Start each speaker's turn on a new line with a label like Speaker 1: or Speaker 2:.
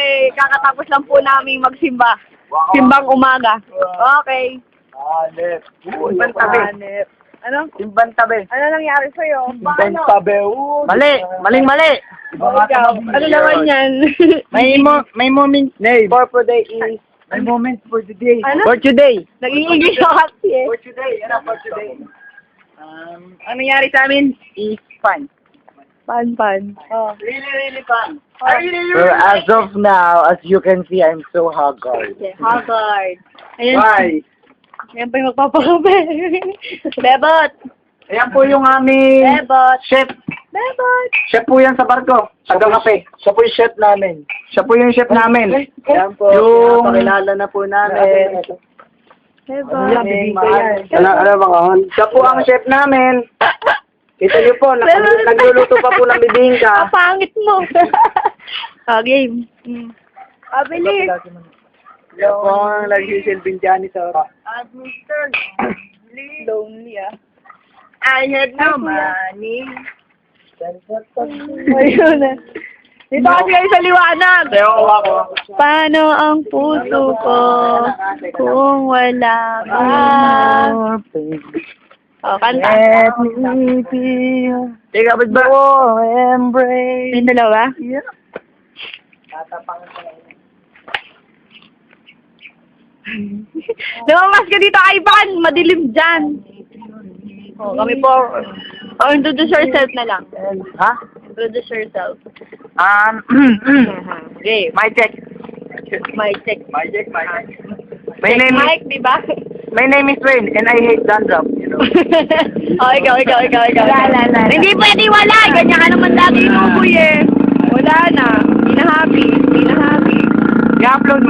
Speaker 1: kakatapos lang po namin magsimba.
Speaker 2: Wow.
Speaker 1: Simbang umaga. Okay.
Speaker 2: Hanep.
Speaker 1: Simbang tabi. Ano?
Speaker 2: Simbang tabi.
Speaker 1: Ano nangyari sa'yo?
Speaker 2: Simbang tabi. Mali. Maling-mali.
Speaker 1: Ikaw. Ano naman yan?
Speaker 2: May moment name. For today is... May moment for today.
Speaker 1: Ano?
Speaker 2: For today.
Speaker 1: Nag-i-English ako kasi eh.
Speaker 2: For today. Ano for today? Ang nangyari sa amin is fun.
Speaker 1: Pan. Oh.
Speaker 2: Really fun.
Speaker 1: Well,
Speaker 2: as of now, as you can see, I'm so haggard.
Speaker 1: Okay, Haggard. Ayan.
Speaker 2: Why?
Speaker 1: Ayan pa yung magpapakape. Bebot.
Speaker 2: Ayan po yung aming
Speaker 1: Bebot.
Speaker 2: chef.
Speaker 1: Bebot.
Speaker 2: Chef po yan sa barko. Taga-kape. Siya po yung chef namin. Siya po yung chef namin. Ayan po. Yung... Pakilala na po namin.
Speaker 1: Bebot.
Speaker 2: Ano ba kahon? Siya po ang chef namin. Kita niyo po, nagluluto pa po ng bibingka.
Speaker 1: Ang pangit mo. Game. Bilis.
Speaker 2: Siya po ang nagsisilbing janitor.
Speaker 1: Lonely ah.
Speaker 2: I had no money.
Speaker 1: Ayun na. Dito kasi kayo sa liwanag.
Speaker 2: Ako.
Speaker 1: Paano ang puso ko kung wala ka? Oh, kanta.
Speaker 2: Let me feel. Teka, ba't ba? Embrace.
Speaker 1: Yung dalawa?
Speaker 2: Yeah.
Speaker 1: Lumamas ka dito, Ivan! Madilim dyan. Oh, kami po. Oh, introduce yourself na lang.
Speaker 2: Ha?
Speaker 1: Introduce yourself.
Speaker 2: Okay, my check.
Speaker 1: My check.
Speaker 2: My check. My
Speaker 1: Check
Speaker 2: name is
Speaker 1: Mike, di ba?
Speaker 2: My name is Wayne and I hate dandruff, you know.
Speaker 1: Oh, ikaw.
Speaker 2: Wala.
Speaker 1: Hindi pwede wala. Ganyan ka naman lagi inuboy eh. Wala na. Hindi na happy.
Speaker 2: I-upload